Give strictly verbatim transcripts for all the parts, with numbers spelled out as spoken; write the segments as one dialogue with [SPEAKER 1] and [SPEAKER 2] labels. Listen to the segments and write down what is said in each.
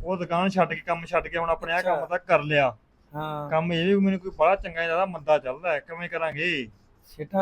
[SPEAKER 1] ਉਹ ਦੁਕਾਨ ਛੱਡ ਕੇ ਕੰਮ ਛੱਡ ਕੇ ਹੁਣ ਆਪਣੇ ਆ
[SPEAKER 2] ਅੱਛਾ।
[SPEAKER 1] ਕੰਮ ਤਾਂ ਕਰ ਲਿਆ।
[SPEAKER 2] ਹਾਂ
[SPEAKER 1] ਕੰਮ ਇਹ ਵੀ ਮੈਨੂੰ ਕੋਈ ਬੜਾ ਚੰਗਾ ਜਿਆਦਾ ਮੰਦਾ ਚੱਲਦਾ ਹੈ, ਕਿਵੇਂ ਕਰਾਂਗੇ?
[SPEAKER 2] ਸਿੱਠਾ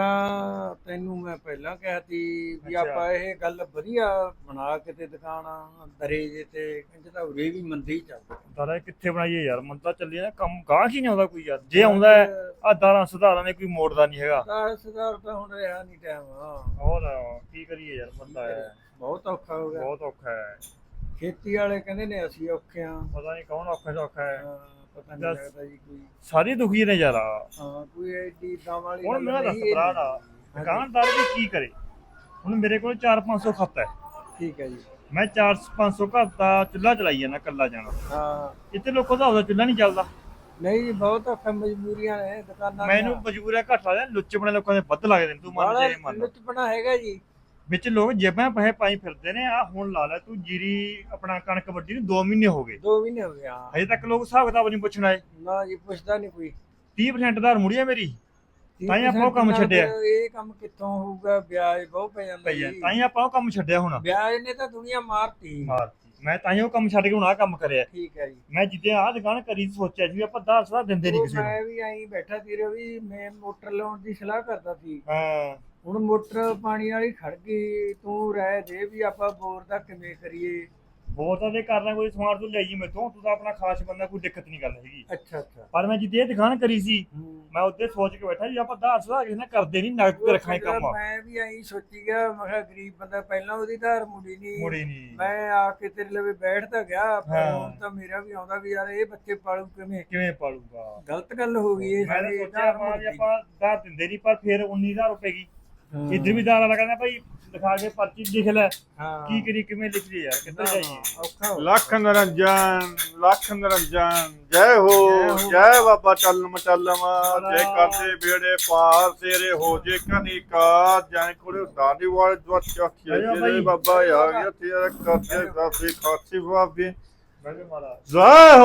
[SPEAKER 2] ਤੈਨੂੰ ਮੈਂ ਪਹਿਲਾਂ ਕਿਹਾ ਸੀ ਵੀ
[SPEAKER 1] ਅੱਛਾ।
[SPEAKER 2] ਆਪਾਂ ਇਹ ਗੱਲ ਵਧੀਆ ਬਣਾ ਕੇ ਤੇ ਦੁਕਾਨ ਦਰੇ ਜੇ ਤੇ ਕਹਿੰਦੇ ਤਾਂ ਉਰੇ ਵੀ ਮੰਦੀ ਚੱਲਦੀ।
[SPEAKER 1] ਦਾਰਾ ਕਿੱਥੇ ਬਣਾਈਏ ਯਾਰ, ਮੰਦਾ ਚੱਲੀ ਨਾ ਕੰਮ, ਗਾਹਕ ਹੀ ਨਹੀਂ ਆਉਂਦਾ ਕੋਈ ਯਾਰ। ਜੇ ਆਉਂਦਾ ਆ ਦਾਰਾਂ ਸੁਧਾਰਾਂ ਨੇ ਕੋਈ ਮੋੜਦਾ ਨਹੀਂ ਹੈਗਾ।
[SPEAKER 2] ਸਰਦਾਰ ਸਰਦਾਰ ਤਾਂ ਹੁਣ ਰਿਹਾ ਨਹੀਂ ਟਾਈਮ।
[SPEAKER 1] ਹੋਰ ਕੀ ਕਰੀਏ ਯਾਰ, ਮੰਦਾ ਹੈ,
[SPEAKER 2] ਬਹੁਤ ਔਖਾ ਹੋ ਗਿਆ।
[SPEAKER 1] ਬਹੁਤ ਔਖਾ ਹੈ।
[SPEAKER 2] ਖੇਤੀ ਵਾਲੇ ਕਹਿੰਦੇ ਨੇ ਅਸੀਂ ਔਖੇ ਆ।
[SPEAKER 1] ਪਤਾ ਨਹੀਂ ਕੌਣ ਔਖਾ ਸੌਖਾ ਹੈ।
[SPEAKER 2] ਹਾਂ, ਪਤਾ ਨਹੀਂ ਲੱਗਦਾ ਜੀ ਕੋਈ।
[SPEAKER 1] ਸਾਰੇ ਦੁਖੀ ਨੇ ਯਾਰ।
[SPEAKER 2] ਹਾਂ ਕੋਈ ਐਡੀ ਦਮ ਵਾਲੀ
[SPEAKER 1] ਹੁਣ
[SPEAKER 2] ਗੱਲ
[SPEAKER 1] ਮੇਰਾ ਦੱਸ
[SPEAKER 2] ਨਹੀਂ
[SPEAKER 1] ਭਰਾ ਦਾ ਦੁਕਾਨਦਾਰ ਵੀ ਕੀ ਕਰੇ? ਹੁਣ ਮੇਰੇ ਕੋਲ ਚਾਰ ਪੰਜ ਸੌ ਖੱਤ ਹੈ,
[SPEAKER 2] ਠੀਕ ਹੈ ਜੀ।
[SPEAKER 1] ਮੈਂ ਚਾਰ ਪੰਜ ਸੌ ਘਰ ਦਾ ਚੁੱਲ੍ਹਾ ਚਲਾਈ ਜਾਂਦਾ ਕੱਲਾ ਜਾਣਾ।
[SPEAKER 2] ਹਾਂ
[SPEAKER 1] ਇੱਥੇ ਲੋਕਾਂ ਦਾ ਉਹਦਾ ਚੁੱਲ੍ਹਾ ਨਹੀਂ ਚੱਲਦਾ।
[SPEAKER 2] ਨਹੀਂ ਜੀ ਬਹੁਤ ਔਖਾ, ਮਜਬੂਰੀਆਂ ਨੇ ਦੁਕਾਨਾਂ
[SPEAKER 1] ਮੈਨੂੰ ਮਜਬੂਰ ਹੈ, ਘੱਟ ਲੱਗਦਾ, ਲੁੱਚ ਬਣੇ ਲੋਕਾਂ ਦੇ ਵੱਧ ਲੱਗਦੇ ਨੇ, ਤੂੰ ਮੰਨ ਜੇ ਮੰਨ।
[SPEAKER 2] ਲੁੱਚਪਣਾ ਹੈਗਾ ਜੀ
[SPEAKER 1] ਵਿੱਚ ਲੋਕ ਜੇਬਾਂ ਪੈਸੇ ਪਾਈ ਫਿਰਦੇ ਨੇ। ਆ ਹੁਣ ਲਾ ਲੈ ਤੂੰ, ਜੀਰੀ ਆਪਣਾ ਕਣਕ ਵੱਢੀ ਨੂੰ ਦੋ ਮਹੀਨੇ ਹੋ ਗਏ,
[SPEAKER 2] ਦੋ ਮਹੀਨੇ ਹੋ ਗਏ। ਹਾਂ
[SPEAKER 1] ਹਜੇ ਤੱਕ ਲੋਕ ਹਿਸਾਬ ਕਿਤਾਬ ਨਹੀਂ ਪੁੱਛਣ ਆਏ।
[SPEAKER 2] ਨਾ ਜੀ ਪੁੱਛਦਾ ਨਹੀਂ ਕੋਈ।
[SPEAKER 1] ਤੀਹ ਪ੍ਰਸੈਂਟ ਧਾਰ ਮੁੜੀ ਹੈ ਮੇਰੀ,
[SPEAKER 2] ਤੀਹ
[SPEAKER 1] ਤਾਂ ਹੀ ਆਪਾਂ ਉਹ ਕੰਮ
[SPEAKER 2] percent
[SPEAKER 1] ਛੱਡਿਆ।
[SPEAKER 2] ਨਾਲ ਇਹ ਕੰਮ ਕਿੱਥੋਂ ਹੋਊਗਾ? ਵਿਆਜ ਬਹੁਤ ਪੈ ਜਾਂਦਾ
[SPEAKER 1] ਪਈ ਹੈ,
[SPEAKER 2] ਜੀ।
[SPEAKER 1] ਤਾਂ ਹੀ ਆਪਾਂ ਉਹ ਕੰਮ ਛੱਡਿਆ। ਹੁਣ
[SPEAKER 2] ਵਿਆਜ ਨੇ ਤਾਂ ਦੁਨੀਆ ਮਾਰਤੀ।
[SPEAKER 1] ਮਾਰਤੀ, ਮੈਂ ਤਾਂ ਹੀ ਉਹ ਕੰਮ ਛੱਡ ਕੇ ਹੁਣ ਆਹ ਕੰਮ ਕਰਿਆ।
[SPEAKER 2] ਠੀਕ ਹੈ ਜੀ।
[SPEAKER 1] ਮੈਂ ਜਿੱਦੇ ਆਹ ਦੁਕਾਨ ਕਰੀ ਸੋਚਿਆ ਸੀ ਵੀ ਆਪਾਂ ਧਾਰ ਸਲਾਹ ਦਿੰਦੇ ਨਹੀਂ
[SPEAKER 2] ਉਹ
[SPEAKER 1] ਕਿਸੇ ਨੂੰ।
[SPEAKER 2] ਮੈਂ ਵੀ ਐਂ ਬੈਠਾ ਸੀ ਵੀ ਮੈਂ ਮੋਟਰ ਲਾਉਣ ਦੀ ਸਲਾਹ ਕਰਦਾ ਸੀ।
[SPEAKER 1] ਹਾਂ
[SPEAKER 2] ਹੁਣ ਮੋਟਰ ਪਾਣੀ ਵਾਲੀ ਖੜ ਗਈ, ਤੂੰ ਰਹਿ ਦੇ ਵੀ ਆਪਾਂ ਬੋਰ ਦਾ ਕਿਵੇਂ ਕਰੀਏ।
[SPEAKER 1] ਬਹੁਤ ਤਾਂ ਕਰਨਾ, ਕੋਈ ਸਮਾਨ ਤੂੰ ਲਿਆਈ ਮੈਥੋਂ, ਤੂੰ ਤਾਂ ਆਪਣਾ ਖਾਸ ਬੰਦਾ, ਕੋਈ ਦਿੱਕਤ ਨਹੀਂ ਗੱਲ ਹੈਗੀ।
[SPEAKER 2] ਅੱਛਾ ਅੱਛਾ।
[SPEAKER 1] ਪਰ ਮੈਂ ਜਿੱਦੇ ਇਹ ਦੁਕਾਨ ਕਰੀ ਸੀ, ਮੈਂ ਉੱਤੇ ਸੋਚ ਕੇ ਬੈਠਾ ਵੀ ਆਪਾਂ ਧਾਰ ਸਲਾਹ ਕਿਸੇ ਨਾਲ ਕਰਦੇ ਨਹੀਂ, ਨਗਦ ਤੇ ਰੱਖਾਂ ਕੰਮ।
[SPEAKER 2] ਮੈਂ ਵੀ ਐਂ ਸੋਚੀ ਗਿਆ, ਮੈਂ ਕਿਹਾ ਗਰੀਬ ਬੰਦਾ, ਪਹਿਲਾਂ ਉਹਦੀ ਧਾਰ ਮੁੜੀ ਨਹੀਂ
[SPEAKER 1] ਮੁੜੀ ਨਹੀਂ।
[SPEAKER 2] ਮੈਂ ਆ ਕੇ ਤੇਰੇ ਲਵੇ ਬੈਠ ਤਾਂ ਗਿਆ, ਪਰ
[SPEAKER 1] ਹਾਂ।
[SPEAKER 2] ਹੁਣ ਤਾਂ ਮੇਰਾ ਵੀ ਆਉਂਦਾ ਵੀ ਯਾਰ ਇਹ ਬੱਚੇ ਪਾਲੂ ਕਿਵੇਂ।
[SPEAKER 1] ਕਿਵੇਂ ਪਾਲੂਗਾ?
[SPEAKER 2] ਗਲਤ ਗੱਲ ਹੋ ਗਈ ਇਹ
[SPEAKER 1] ਮੈਂ ਤਾਂ
[SPEAKER 2] ਸਾਡੀ
[SPEAKER 1] ਸੋਚਿਆ
[SPEAKER 2] ਧਾਰ
[SPEAKER 1] ਆਪਾਂ ਵੀ
[SPEAKER 2] ਮੁੜਦੀ।
[SPEAKER 1] ਆਪਾਂ ਧਾਰ ਦਿੰਦੇ ਨਹੀਂ, ਪਰ ਫਿਰ ਉੱਨੀ ਹਜ਼ਾਰ ਰੁਪਏ ਗਈ।
[SPEAKER 2] ਹਾਂ।
[SPEAKER 1] ਇੱਧਰ ਵੀ ਧਾਰ ਵਾਲਾ ਕਹਿੰਦਾ ਭਾਈ ਦਿਖਾ ਕੇ ਪਰਚੀ ਲਿਖ ਲੈ।
[SPEAKER 2] ਹਾਂ
[SPEAKER 1] ਕੀ ਕਰੀ, ਕਿਵੇਂ ਲਿਖ ਲਈ ਯਾਰ, ਕਿੱਧਰ ਜਾਈਏ?
[SPEAKER 2] ਔਖਾ ਹੋ
[SPEAKER 3] ਲੱਖ ਨਿਰੰਜਨ ਲੱਖ ਨਿਰੰਜਨ ਜੈ ਹੋ ਜੈ ਬਾਬਾ ਚੱਲਮ ਚੱਲਮ ਜੇ ਕਰਦੇ ਬੇੜੇ ਪਾਰ ਤੇਰੇ ਹੋ ਜੇ ਕਨਿਕਾ ਜੈ ਕੋਲੇ ਦਾਦੀ ਵਾਲ ਦਵਤ ਚਾਖੀ ਬਾਬਾ ਆ ਗਿਆ ਤੇਰਾ ਕਰਦੇ ਸਾਫੀ ਖਾਸੀ ਬਾਬੇ
[SPEAKER 1] ਬੈਠੇ ਮਹਾਰਾਜ।
[SPEAKER 3] ਜੈ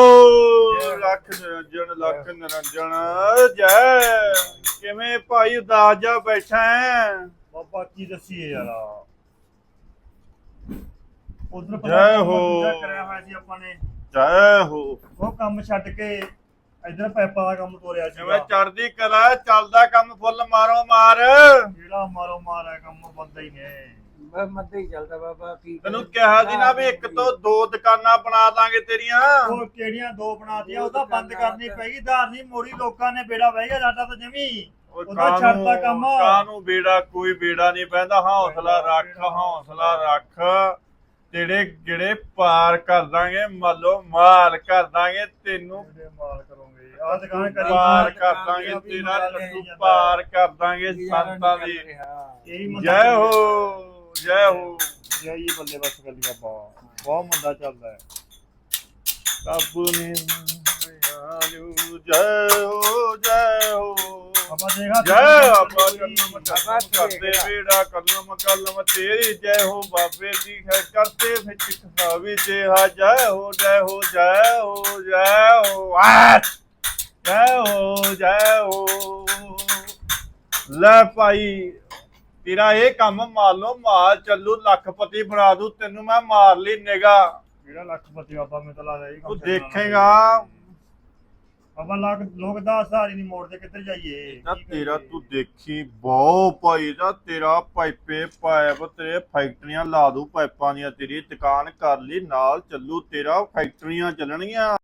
[SPEAKER 3] ਹੋ ਲੱਖ ਨਿਰੰਜਨ ਲੱਖ ਨਿਰੰਜਨ ਜੈ। ਕਿਵੇਂ ਭਾਈ ਉਦਾਸ ਜਾ ਬੈਠਾ ਹੈ?
[SPEAKER 1] ਬਾਬਾ ਕੀ ਦੱਸੀਏ ਯਾਰ, ਉਧਰ
[SPEAKER 3] ਜੈ ਹੋ।
[SPEAKER 1] ਕਰਿਆ ਹੋਇਆ ਸੀ ਆਪਾਂ ਨੇ,
[SPEAKER 3] ਜੈ ਹੋ।
[SPEAKER 1] ਉਹ ਕੰਮ ਛੱਡ ਕੇ ਇਧਰ ਪੈਪਾ ਦਾ ਕੰਮ ਤੋਰਿਆ ਸੀ।
[SPEAKER 3] ਜਿਵੇਂ ਚੜਦੀ ਕਲਾ ਚੱਲਦਾ ਕੰਮ ਫੁੱਲ ਮਾਰੋ ਮਾਰ।
[SPEAKER 1] ਜਿਹੜਾ ਮਾਰੋ ਮਾਰ ਹੈ ਕੰਮ, ਬੰਦਾ ਹੀ ਨੇ।
[SPEAKER 2] ਬਸ ਮੱਦੇ ਹੀ ਚੱਲਦਾ ਬਾਬਾ। ਕੀ
[SPEAKER 3] ਤੈਨੂੰ ਕਿਹਾ ਸੀ ਨਾ ਵੀ ਇੱਕ ਤੋਂ ਦੋ ਦੁਕਾਨਾਂ ਬਣਾ ਦਾਂਗੇ ਤੇਰੀਆਂ।
[SPEAKER 1] ਉਹ ਕਿਹੜੀਆਂ ਦੋ ਬਣਾਤੀਆਂ, ਉਹ ਤਾਂ ਬੰਦ ਕਰਨੀ ਪੈਗੀ। ਧਾਰ ਨਹੀਂ ਮੋੜੀ, ਲੋਕਾਂ ਨੇ ਬੇੜਾ ਬਹਿ ਗਿਆ ਸਾਡਾ ਤਾਂ ਜਮੀ। ਉਹਦਾ ਛੱਡਦਾ ਕੰਮ।
[SPEAKER 3] ਕਾਨੂੰ ਬੇੜਾ, ਕੋਈ ਬੇੜਾ ਨਹੀਂ ਪੈਂਦਾ। ਹੌਸਲਾ ਰੱਖ, ਹੌਸਲਾ ਰੱਖ। ਤੇਰੇ ਜਿਹੜੇ ਪਾਰ ਕਰ ਦਾਂਗੇ, ਮੰਨੋ ਮਾਲ ਕਰ ਦਾਂਗੇ ਤੈਨੂੰ।
[SPEAKER 1] ਮਾਲ ਕਰੋਗੇ ਆਹ ਦੁਕਾਨ ਕਰੀ
[SPEAKER 3] ਪਾਰ ਕਰ ਦਾਂਗੇ ਤੇਰਾ ਲੱਡੂ, ਪਾਰ ਕਰ ਦਾਂਗੇ ਸੰਤਾਂ ਦੀ।
[SPEAKER 1] ਇਹੀ
[SPEAKER 3] ਜੈ ਹੋ ਜੈ ਹੋ।
[SPEAKER 1] ਜੈ ਹੀ ਬੱਲੇ ਬਸ ਗੱਲੀ ਬਾਬਾ, ਬਹੁਤ ਮੰਦਾ ਚੱਲਦਾ ਹੈ।
[SPEAKER 3] ਕਾਬੂ ਨੇ ਆਜੂ ਜੈ ਹੋ ਜੈ ਹੋ।
[SPEAKER 1] ਬਾਬਾ ਦੇਖਾ
[SPEAKER 3] ਜੈ ਬਾਬਾ ਕਲਮ ਕਰਦੇ ਬੇੜਾ ਕਲਮ ਕਲਮ ਤੇਰੀ ਜੈ ਹੋ ਬਾਬੇ ਦੀ ਹੈ ਕਰਤੇ ਵਿੱਚ ਖਸਾਵੀ ਜਿਹਾ ਜੈ ਹੋ ਜੈ ਹੋ ਜੈ ਹੋ ਜੈ ਹੋ ਆ ਜੈ ਹੋ ਜੈ ਹੋ। ਲੈ ਭਾਈ ਤੇਰਾ ਇਹ ਕੰਮ ਮੰਨ ਲਓ, ਮਾਲ ਚੱਲੂ, ਲੱਖਪਤੀ ਬਣਾ ਦੂ ਤੈਨੂੰ। ਮੈਂ ਮਾਰ ਲਈ ਨਿਗਾ,
[SPEAKER 1] ਜਿਹੜਾ ਲੱਖਪਤੀ ਬਾਬਾ ਮੈਨੂੰ ਤਾਂ ਲੱਗਦਾ ਇਹ ਕੰਮ
[SPEAKER 3] ਤੂੰ ਦੇਖੇਗਾ।
[SPEAKER 1] ਬਾਬਾ ਲੱਖ ਲੋਕ ਦਾ ਹਜ਼ਾਰ ਹੀ ਨਹੀਂ ਮੋੜਦੇ, ਕਿੱਧਰ ਜਾਈਏ?
[SPEAKER 3] ਤਾਂ ਤੇਰਾ ਤੂੰ ਦੇਖੀ ਬਹੁ ਭਾਈ ਦਾ ਤੇਰਾ ਪਾਈਪੇ ਪਾਇਪ ਤੇਰੇ ਫੈਕਟਰੀਆਂ ਲਾ ਦੂ, ਪਾਈਪਾਂ ਦੀਆਂ ਤੇਰੀ ਦੁਕਾਨ ਕਰ ਲਈ ਨਾਲ ਚੱਲੂ, ਤੇਰਾ ਫੈਕਟਰੀਆਂ ਚੱਲਣਗੀਆਂ।